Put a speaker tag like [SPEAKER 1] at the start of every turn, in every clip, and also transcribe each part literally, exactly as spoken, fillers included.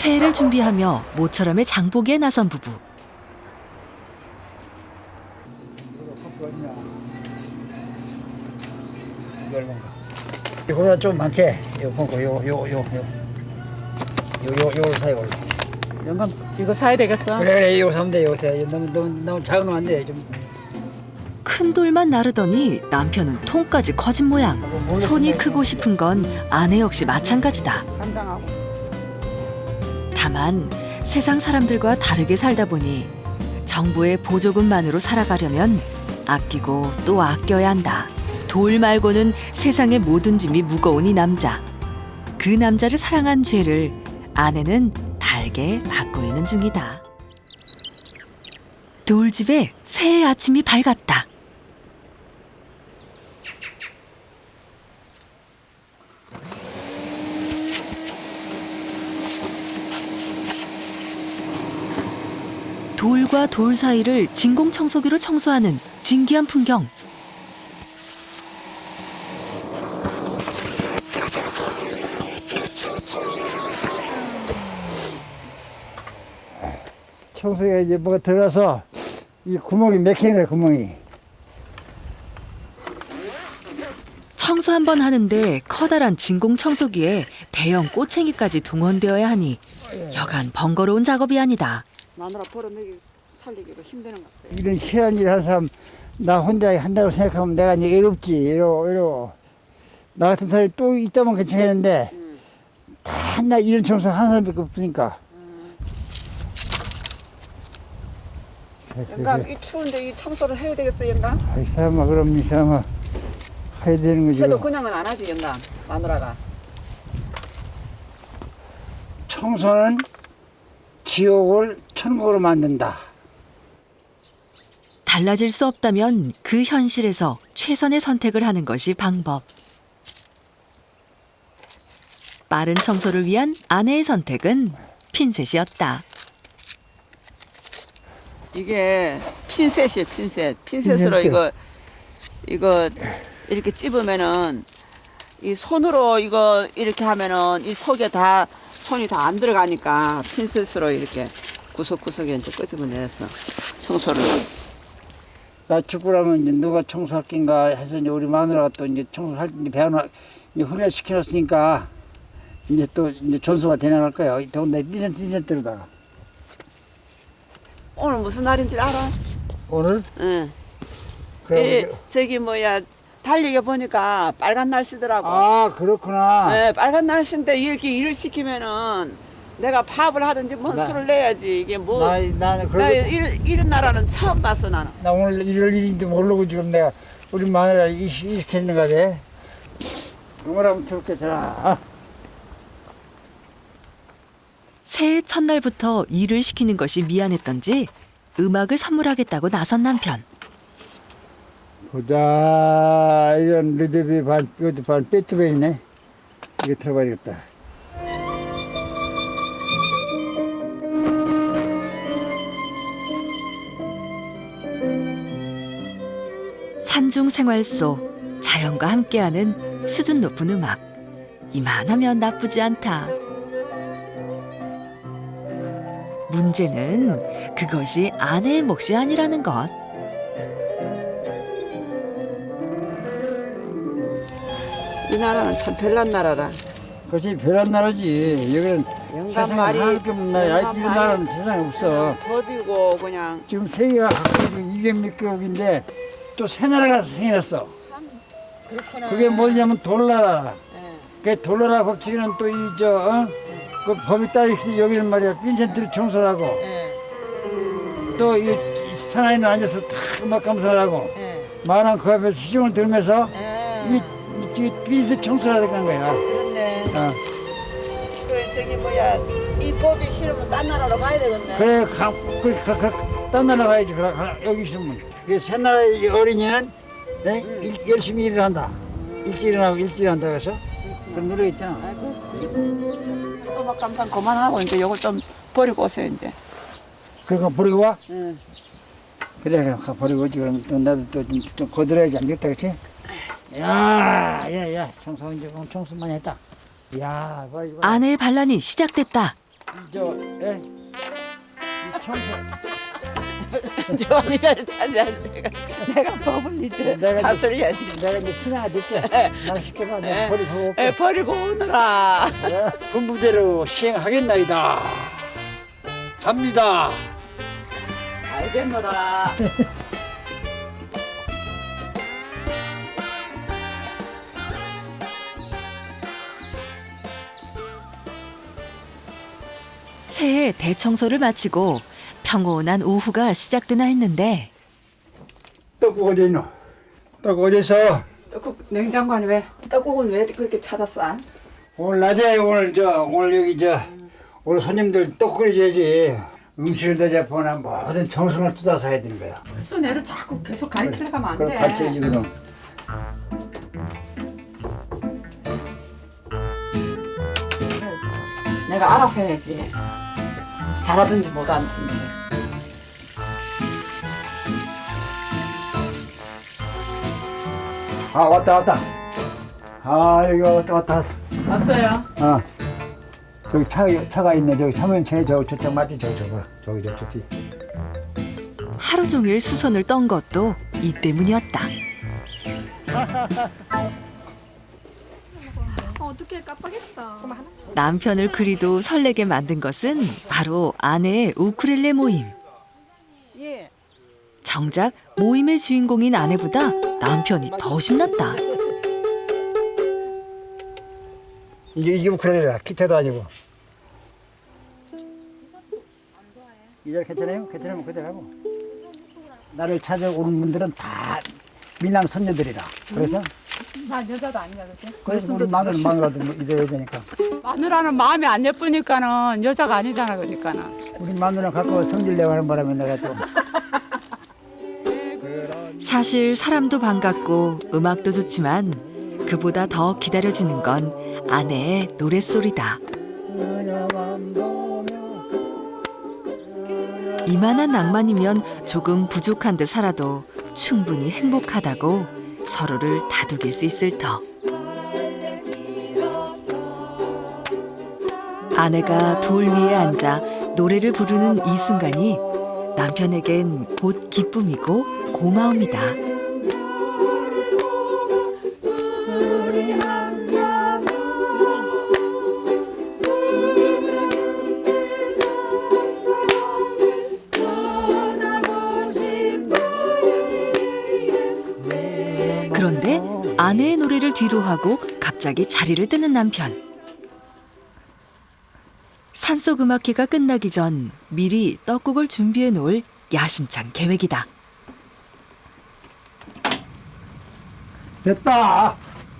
[SPEAKER 1] 새해를 준비하며 모처럼의 장보기에 나선 부부.
[SPEAKER 2] 이거 얼마인가? 이거보다 좀 많게. 이거 보고 요요요요 요요 요걸 사요. 원래.
[SPEAKER 3] 영감 이거 사야 되겠어?
[SPEAKER 2] 그래 그래 이거 사면 돼. 이거 돼. 너무 너무 너무 작은 건 안 돼. 좀.
[SPEAKER 1] 큰 돌만 나르더니 남편은 통까지 커진 모양. 손이 크고 싶은 건 아내 역시 마찬가지다.
[SPEAKER 3] 감당하고.
[SPEAKER 1] 다만 세상 사람들과 다르게 살다 보니 정부의 보조금만으로 살아가려면 아끼고 또 아껴야 한다. 돌 말고는 세상의 모든 짐이 무거운 이 남자. 그 남자를 사랑한 죄를 아내는 달게 받고 있는 중이다. 돌집에 새해 아침이 밝았다. 돌과 돌 사이를 진공청소기로 청소하는 진기한 풍경.
[SPEAKER 2] 청소기가 이제 뭐가 들어가서 이 구멍이 막히는 거야 구멍이.
[SPEAKER 1] 청소 한 번 하는데 커다란 진공청소기에 대형 꼬챙이까지 동원되어야 하니 여간 번거로운 작업이 아니다.
[SPEAKER 3] 마누라 벌어먹이 살리기도 힘드는 것 같아요.
[SPEAKER 2] 이런 희한한 일을 하는 사람 나 혼자 한다고 생각하면 내가 이제 외롭지. 이러 이러. 나 같은 사람이 또 있다면 괜찮겠는데
[SPEAKER 3] 음.
[SPEAKER 2] 다 나 이런 청소 한 사람밖에 없으니까.
[SPEAKER 3] 영감 이 추운데 이 청소를 해야 되겠어 영감?
[SPEAKER 2] 이 사람아 그럼 이 사람아 해야 되는 거지.
[SPEAKER 3] 해도 그냥은 안 하지 영감 마누라가.
[SPEAKER 2] 청소는 지옥을 천국으로 만든다.
[SPEAKER 1] 달라질 수 없다면 그 현실에서 최선의 선택을 하는 것이 방법. 빠른 청소를 위한 아내의 선택은 핀셋이었다.
[SPEAKER 3] 이게 핀셋이에요 핀셋. 핀셋으로 이거 이거 이렇게 찝으면은 이 손으로 이거 이렇게 하면은 이 속에 다 손이 다 안 들어가니까 핀셋으로 이렇게 구석구석에 이제 끄집어내서 청소를.
[SPEAKER 2] 나 죽고 나면 이제 누가 청소할 낀가 해서 이제 우리 마누라가 또 이제 청소할 때 배워놔 이제 훈련 시켜놨으니까 이제 또 이제 전수가 되나갈 거야. 더군다나 삐센트 삐센트로다가.
[SPEAKER 3] 오늘 무슨 날인지 알아?
[SPEAKER 2] 오늘
[SPEAKER 3] 응.
[SPEAKER 2] 그럼
[SPEAKER 3] 이, 저기 뭐야 달리기 보니까 빨간 날씨더라고.
[SPEAKER 2] 아 그렇구나.
[SPEAKER 3] 네, 빨간 날씨인데 이렇게 일을 시키면은 내가 밥을 하든지 뭔
[SPEAKER 2] 나-
[SPEAKER 3] 술을 내야지. 이게 뭐
[SPEAKER 2] 나 나는
[SPEAKER 3] 나
[SPEAKER 2] 그러고
[SPEAKER 3] 일, 이런 나라는 처음 봤어 나는.
[SPEAKER 2] 나 오늘 이럴 일인지 모르고 지금 내가 우리 마누라 이 시키는 거지. 응원 한번 들을게 자.
[SPEAKER 1] 새해 첫날부터 일을 시키는 것이 미안했던지 음악을 선물하겠다고 나선 남편.
[SPEAKER 2] 보자 이건 르드비 반 이것도 반 베토벤이네. 이거 들어봐야겠다.
[SPEAKER 1] 산중 생활 속 자연과 함께하는 수준 높은 음악. 이만하면 나쁘지 않다. 문제는 그것이 아내의 몫이 아니라는 것.
[SPEAKER 3] 이 나라는 참 별난 나라라.
[SPEAKER 2] 그렇지 별한 나라지. 여기는
[SPEAKER 3] 영감
[SPEAKER 2] 세상에
[SPEAKER 3] 말이
[SPEAKER 2] 하나밖에 없는 나라야.
[SPEAKER 3] 영감
[SPEAKER 2] 이런
[SPEAKER 3] 말이
[SPEAKER 2] 나라는 세상에 없어.
[SPEAKER 3] 법이고 그냥
[SPEAKER 2] 지금 세계가 각각 이백 몇 개국인데 또 새 나라가 생겼어.
[SPEAKER 3] 그렇구나.
[SPEAKER 2] 그게 뭐냐면 돌나라.
[SPEAKER 3] 예.
[SPEAKER 2] 그 돌나라 법칙에는 또 이 저 어? 그 법이 따로 있어. 여기는 말이야 빈센트를 청소를 하고
[SPEAKER 3] 예.
[SPEAKER 2] 또 이 상하이는 앉아서 다 음악 감상을 하고
[SPEAKER 3] 예.
[SPEAKER 2] 말은 그 앞에서 시중을 들으면서
[SPEAKER 3] 예.
[SPEAKER 2] 이, 이, 이 빈센트 청소를 하는 거야.
[SPEAKER 3] 그렇네.
[SPEAKER 2] 어.
[SPEAKER 3] 그 저기 뭐야 이 법이 싫으면 딴 나라로 가야 되겠네.
[SPEAKER 2] 그래 가, 그, 가, 가, 딴 나라 가야지. 그래, 가, 여기 있으면 그 새 나라의 어린이는 네? 일, 열심히 일을 한다. 일찍 일어나고 일찍 일한다 그래서 그런 노래 있잖아.
[SPEAKER 3] 음악 감상 그만하고 이제 요걸 좀 버리고 오세요 이제.
[SPEAKER 2] 그러니까 버리고 와?
[SPEAKER 3] 응.
[SPEAKER 2] 그래 그럼 가 버리고 오지. 그럼 또 나도 또 좀 좀 거들어야지 안 됐다 그치? 야야야 청소 이제 청소 많이 했다. 야, 봐, 이거.
[SPEAKER 1] 아내의 반란이 시작됐다.
[SPEAKER 2] 저, 예? 이 청소.
[SPEAKER 3] 저 의자를 차지하지. 내가 내가 법을 이제
[SPEAKER 2] 내가
[SPEAKER 3] 다스려야지.
[SPEAKER 2] 내가 이제 신하가 될게. 날 시켜봐. 내가
[SPEAKER 3] 예.
[SPEAKER 2] 버리고 올게.
[SPEAKER 3] 에 버리고 오느라.
[SPEAKER 2] 예, 분부대로 시행하겠나이다. 갑니다.
[SPEAKER 3] 알겠노라.
[SPEAKER 1] 새해 대청소를 마치고 평온한 오후가 시작되나 했는데
[SPEAKER 2] 떡국 어디 있노? 떡국 어디 있어?
[SPEAKER 3] 떡국 냉장고 안에 왜 떡국은 왜 그렇게 찾았어?
[SPEAKER 2] 오늘 낮에 오늘 저 오늘 여기 저 오늘 손님들 떡 끓여줘야지. 음식을 대접하나 모든 정성을 쏟아서 해야 되는 거야.
[SPEAKER 3] 벌써 내를 자꾸 계속 가르치려 가면 안
[SPEAKER 2] 그럼
[SPEAKER 3] 돼.
[SPEAKER 2] 가르쳐야지 그럼.
[SPEAKER 3] 내가 알아서 해야지. 잘하든지 못하든지.
[SPEAKER 2] 아 왔다 왔다. 아 여기 왔다 왔다 왔다.
[SPEAKER 3] 왔어요.
[SPEAKER 2] 아 저기 차 차가 있네. 저기 차면차에 저 저쪽 맞지? 저기 저거 저기 저쪽 뒤.
[SPEAKER 1] 하루 종일 수선을 떤 것도 이 때문이었다.
[SPEAKER 4] 어떻게 깜빡했다.
[SPEAKER 1] 남편을 그리도 설레게 만든 것은 바로 아내의 우쿨렐레 모임.
[SPEAKER 4] 예.
[SPEAKER 1] 정작 모임의 주인공인 아내보다 남편이 더 신났다.
[SPEAKER 2] 이게 이게 우크렐레라. 기타도 아니고. 이절 괜찮아요? 괜찮으면 그대로 하고. 나를 찾아오는 분들은 다 미남 선녀들이라. 그래서
[SPEAKER 4] 나 여자도 아니야, 그치?
[SPEAKER 2] 그래서 우리 마누라 마누라도 뭐 이래야 되니까.
[SPEAKER 4] 마누라는 마음이 안 예쁘니까는 여자가 아니잖아, 그러니까는.
[SPEAKER 2] 우리 마누라 갖고 성질 내고 하는 바람에 내가 또.
[SPEAKER 1] 사실 사람도 반갑고 음악도 좋지만 그보다 더 기다려지는 건 아내의 노랫소리다. 이만한 낭만이면 조금 부족한 듯 살아도 충분히 행복하다고 서로를 다독일 수 있을 터. 아내가 돌 위에 앉아 노래를 부르는 이 순간이 남편에겐 곧 기쁨이고 고마움이다. 그런데 아내의 노래를 뒤로 하고 갑자기 자리를 뜨는 남편. 산속 음악회가 끝나기 전 미리 떡국을 준비해 놓을 야심찬 계획이다.
[SPEAKER 2] 됐다.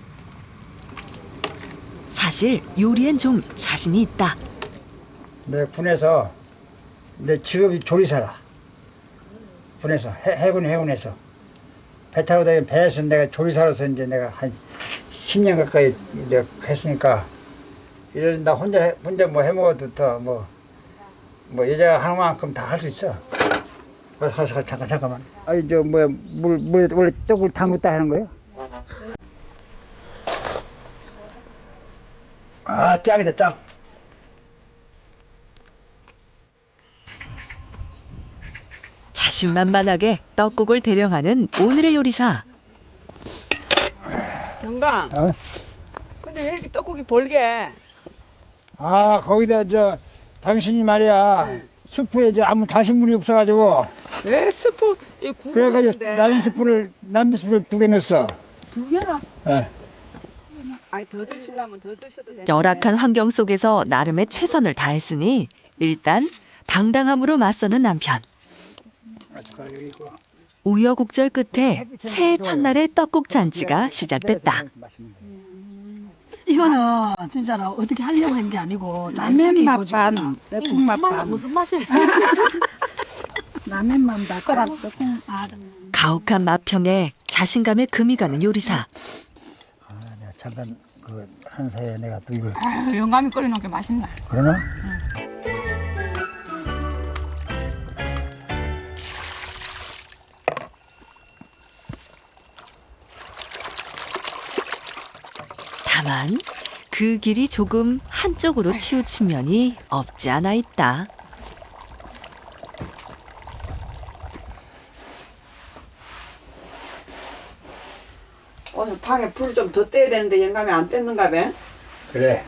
[SPEAKER 1] 사실 요리엔 좀 자신이 있다.
[SPEAKER 2] 내 군에서 내 직업이 조리사라. 군에서 해, 해군 해군에서 배 타고 다니는 배에서 내가 조리사로서 이제 내가 한 십 년 가까이 이제 했으니까 이런 나 혼자 해, 혼자 뭐 해먹어도 더 뭐 뭐 여자가 하는 만큼 다 할 수 있어. 가서 가서 잠깐 잠깐만. 아니 저 뭐야 물 물에 원래 떡을 담갔다 하는 거예요? 아 짱이다 짱.
[SPEAKER 1] 자신만만하게 떡국을 대령하는 오늘의 요리사.
[SPEAKER 3] 경강.
[SPEAKER 2] 어?
[SPEAKER 3] 근데 왜 이렇게 떡국이 벌게?
[SPEAKER 2] 아 거기다 저 당신이 말이야 수프에 저 아무 다신물이 없어가지고
[SPEAKER 3] 왜 스프 이
[SPEAKER 2] 그래가지고
[SPEAKER 3] 구우는데
[SPEAKER 2] 남은 스프를 남은 스프를 두 개 넣었어.
[SPEAKER 3] 두 개나?
[SPEAKER 2] 예.
[SPEAKER 3] 아니 더 드시려면 더 드셔도 돼.
[SPEAKER 1] 열악한 환경 속에서 나름의 최선을 다했으니 일단 당당함으로 맞서는 남편. 우여곡절 끝에 새해 첫날의 떡국 잔치가 시작됐다.
[SPEAKER 5] 이거는 진짜로 어떻게 하려고 한 게 아니고 라면 맛반, 떡국 맛반. 무슨 맛이? 라면만 달거랑 떡국. 아,
[SPEAKER 1] 가혹한 맛평에 자신감에 금이 가는 요리사.
[SPEAKER 2] 아, 내가 잠깐 그 한 사이에 내가 또 이걸
[SPEAKER 4] 아유, 영감이 끓여놓은 게 맛있네.
[SPEAKER 2] 그러나?
[SPEAKER 1] 다만 그 길이 조금 한쪽으로 치우친 면이 없지 않아 있다.
[SPEAKER 3] 오늘 방에 불 좀 더 떼야 되는데 영감이 안 뗐는가 봐.
[SPEAKER 2] 그래.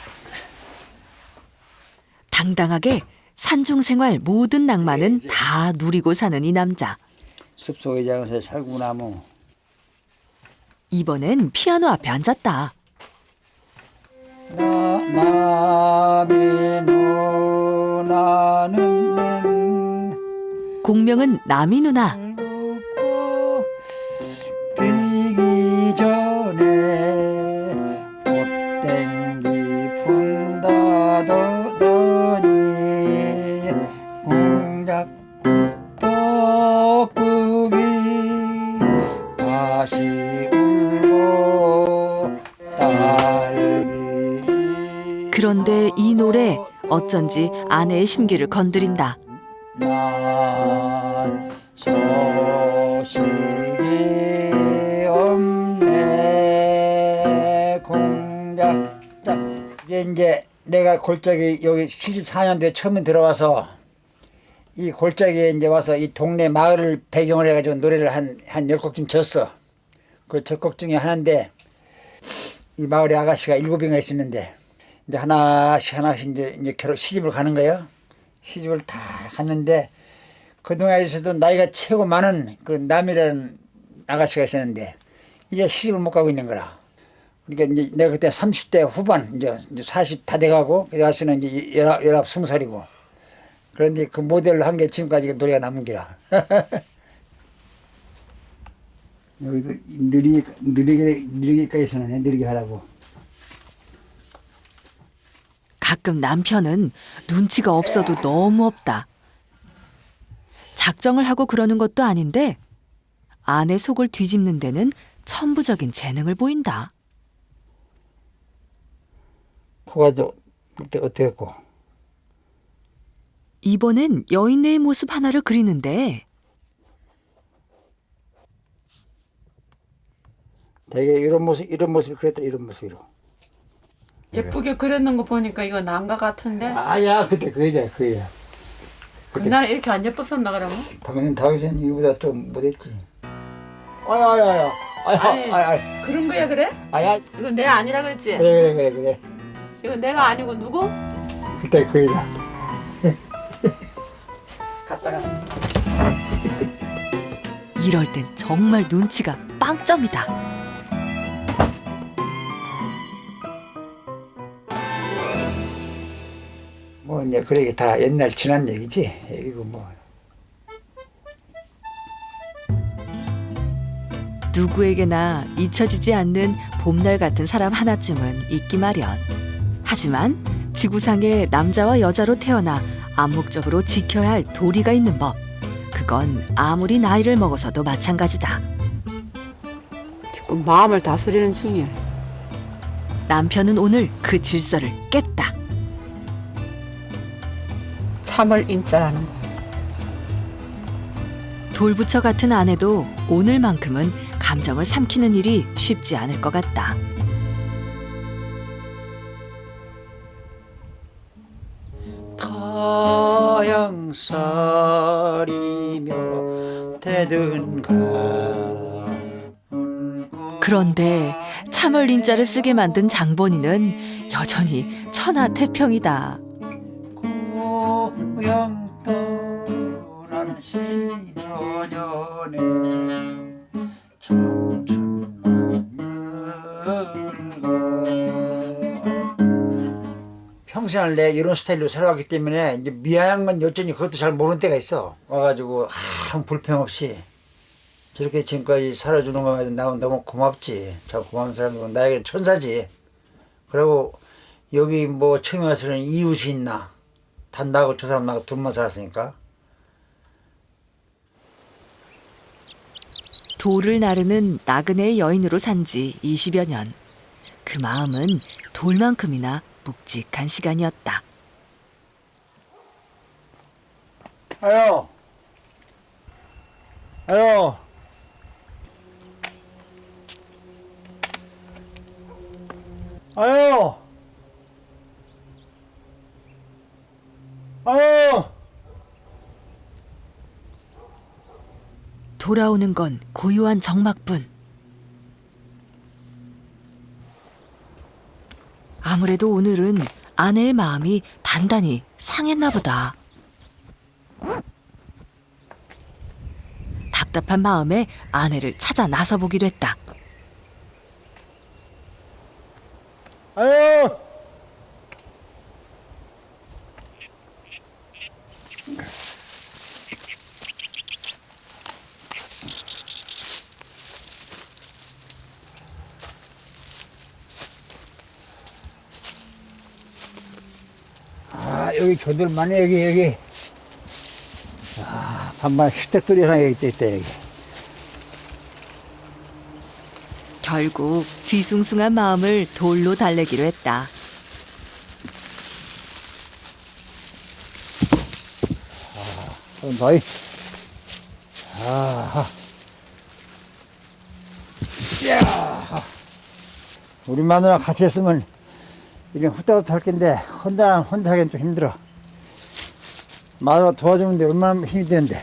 [SPEAKER 1] 당당하게 산중 생활 모든 낭만은 다 누리고 사는 이 남자.
[SPEAKER 2] 숲속에 장에서 살구나 뭐.
[SPEAKER 1] 이번엔 피아노 앞에 앉았다.
[SPEAKER 2] 나 남이 누나는
[SPEAKER 1] 공명은 남이 누나.
[SPEAKER 2] 눕고 비기 전에 꽃땡기 분다더니 공작 뻐꾸기 다시 울고 딸기.
[SPEAKER 1] 그런데 이 노래 어쩐지 아내의 심기를 건드린다.
[SPEAKER 2] 난 소식이 없네 공작자. 이게 이제 내가 골짜기 여기 칠십사 년도에 처음 들어와서 이 골짜기에 이제 와서 이 동네 마을을 배경으로 해가지고 노래를 한, 한 열 곡쯤 졌어. 그 첫 곡 중에 하나인데 이 마을에 아가씨가 일곱인가 있었는데 이제 하나씩 하나씩 이제, 이제 결혼 시집을 가는 거예요. 시집을 다 갔는데 그 동네에서도 나이가 최고 많은 그 남이라는 아가씨가 있었는데 이제 시집을 못 가고 있는 거라. 그러니까 이제 내가 그때 삼십 대 후반 이제 사십 다 돼가고 그 아가씨는 이제 열아홉, 열아홉 스무 살이고 그런데 그 모델로 한 게 지금까지 노래가 남은 기라. 여기도 느리게 느리게 느리게까지서는 느리게 하라고.
[SPEAKER 1] 가끔 남편은 눈치가 없어도 너무 없다. 작정을 하고 그러는 것도 아닌데 아내 속을 뒤집는 데는 천부적인 재능을 보인다.
[SPEAKER 2] 코가 좀 어때 어땠고?
[SPEAKER 1] 이번엔 여인네의 모습 하나를 그리는데
[SPEAKER 2] 되게 이런 모습 이런 모습 그랬다 이런 모습으로.
[SPEAKER 4] 예쁘게 그렸는 거 보니까 이거 난가 같은데.
[SPEAKER 2] 아야 그때 그 여자 그 여자.
[SPEAKER 4] 그날은 이렇게 안 예뻤었나 그러면?
[SPEAKER 2] 당연히 다윗은 이보다 좀 못했지. 아야 아야 아야 아야
[SPEAKER 4] 아니.
[SPEAKER 2] 아야 아야
[SPEAKER 4] 그런 거야 그래?
[SPEAKER 2] 아야
[SPEAKER 4] 이건 내가 아니라 그랬지?
[SPEAKER 2] 그래 그래 그래 그래.
[SPEAKER 4] 이건 내가 아니고 누구?
[SPEAKER 2] 그때 그 여자.
[SPEAKER 3] 갔다가
[SPEAKER 1] 이럴 땐 정말 눈치가 빵점이다.
[SPEAKER 2] 뭐 이제 그래 다 옛날 지난 얘기지. 이거 뭐.
[SPEAKER 1] 누구에게나 잊혀지지 않는 봄날 같은 사람 하나쯤은 있기 마련. 하지만 지구상에 남자와 여자로 태어나 암묵적으로 지켜야 할 도리가 있는 법. 그건 아무리 나이를 먹어서도 마찬가지다.
[SPEAKER 3] 지금 마음을 다스리는 중이야.
[SPEAKER 1] 남편은 오늘 그 질서를 깼다.
[SPEAKER 3] 참을 인자라는 거.
[SPEAKER 1] 돌부처 같은 아내도 오늘만큼은 감정을 삼키는 일이 쉽지 않을 것 같다.
[SPEAKER 2] 타양살이며 대든가.
[SPEAKER 1] 그런데 참을 인자를 쓰게 만든 장본인은 여전히 천하태평이다.
[SPEAKER 2] 고향 떠난 시년연에 청춘만 늙어. 평생을 내 이런 스타일로 살아왔기 때문에 이제 미안한 건 여전히 그것도 잘 모르는 때가 있어. 와가지고 아무 불평 없이 저렇게 지금까지 살아주는 거에 나 너무 고맙지. 참 고마운 사람이고 나에게 천사지. 그리고 여기 뭐 처음에 와서는 이웃이 있나. 단 나하고 저 사람 나하고 둘만 살았으니까.
[SPEAKER 1] 돌을 나르는 나그네의 여인으로 산 지 이십여 년. 그 마음은 돌만큼이나 묵직한 시간이었다.
[SPEAKER 2] 아유. 아유. 아유.
[SPEAKER 1] 돌아오는 건 고요한 적막뿐. 아무래도 오늘은 아내의 마음이 단단히 상했나 보다. 답답한 마음에 아내를 찾아 나서 보기로 했다.
[SPEAKER 2] 아유. 아, 여기 조들 많네, 여기, 여기. 아, 반반 식탁들이 하나 여기 있다, 있다, 여기.
[SPEAKER 1] 결국 뒤숭숭한 마음을 돌로 달래기로 했다.
[SPEAKER 2] 좀 더이. 아, 야, 우리 마누라 같이 했으면 이런 후딱후딱 할 텐데 혼자 혼자 하기엔 좀 힘들어. 마누라 도와주는데 얼마나 힘이 되는데.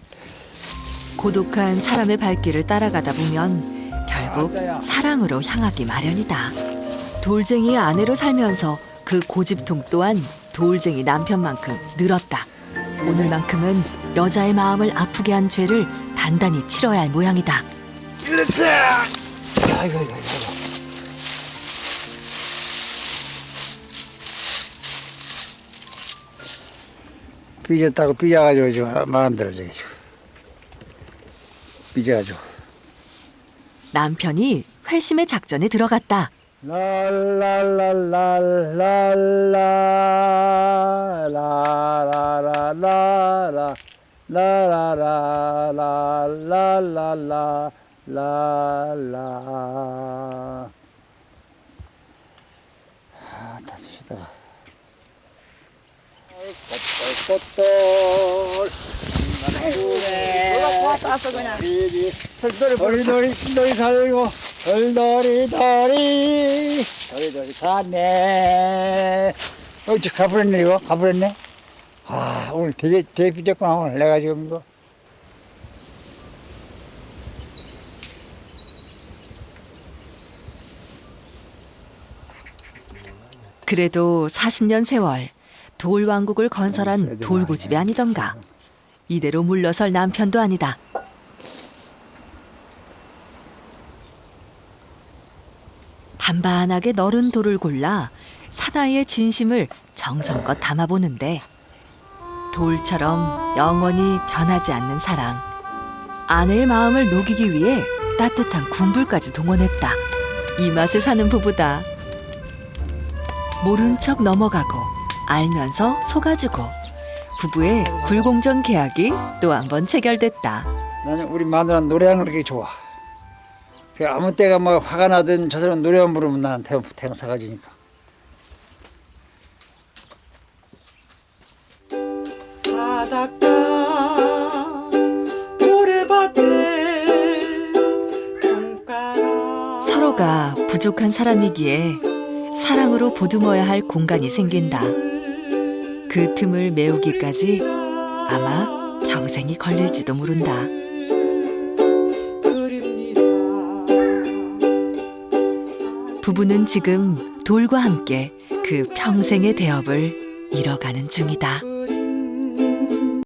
[SPEAKER 1] 고독한 사람의 발길을 따라가다 보면 결국 사랑으로 향하기 마련이다. 돌쟁이의 아내로 살면서 그 고집통 또한 돌쟁이 남편만큼 늘었다. 오늘만큼은 여자의 마음을 아프게 한 죄를 단단히 치러야 할 모양이다.
[SPEAKER 2] 이렇게. 아이고, 아이고, 아이고. 삐졌다고 삐져가지고 지금 마음대로 저기 지금 삐져가지고.
[SPEAKER 1] 남편이 회심의 작전에 들어갔다.
[SPEAKER 2] 라라라라라라라라라라 라라라라라라라라. 아, 다 주시다가. 꽃돌
[SPEAKER 3] 따서 그냥.
[SPEAKER 2] 돌돌이 돌이 돌이 살고 돌돌이 돌이 돌이 돌이 사네. 어, 저 가버렸네 이거 가버렸네. 아, 오늘 되게 되게 삐졌구나 오늘 내가 지금 이거.
[SPEAKER 1] 그래도 사십 년 세월 돌왕국을 건설한 돌고집이 아니던가. 이대로 물러설 남편도 아니다. 반반하게 너른 돌을 골라 사나이의 진심을 정성껏 담아보는데 돌처럼 영원히 변하지 않는 사랑. 아내의 마음을 녹이기 위해 따뜻한 군불까지 동원했다. 이 맛에 사는 부부다. 모른 척 넘어가고 알면서 속아주고 부부의 불공정 계약이 또 한 번 체결됐다.
[SPEAKER 2] 나는 우리 마누라 노래하는 거 그렇게 좋아. 그래, 아무 때가 뭐 화가 나든 저 사람 노래만 부르면 나는 태양, 태양 사가지니까.
[SPEAKER 4] 바닷가 모래밭에 돈가라.
[SPEAKER 1] 서로가 부족한 사람이기에 사랑으로 보듬어야 할 공간이 생긴다. 그 틈을 메우기까지 아마 평생이 걸릴지도 모른다. 부부는 지금 돌과 함께 그 평생의 대업을 이뤄가는 중이다.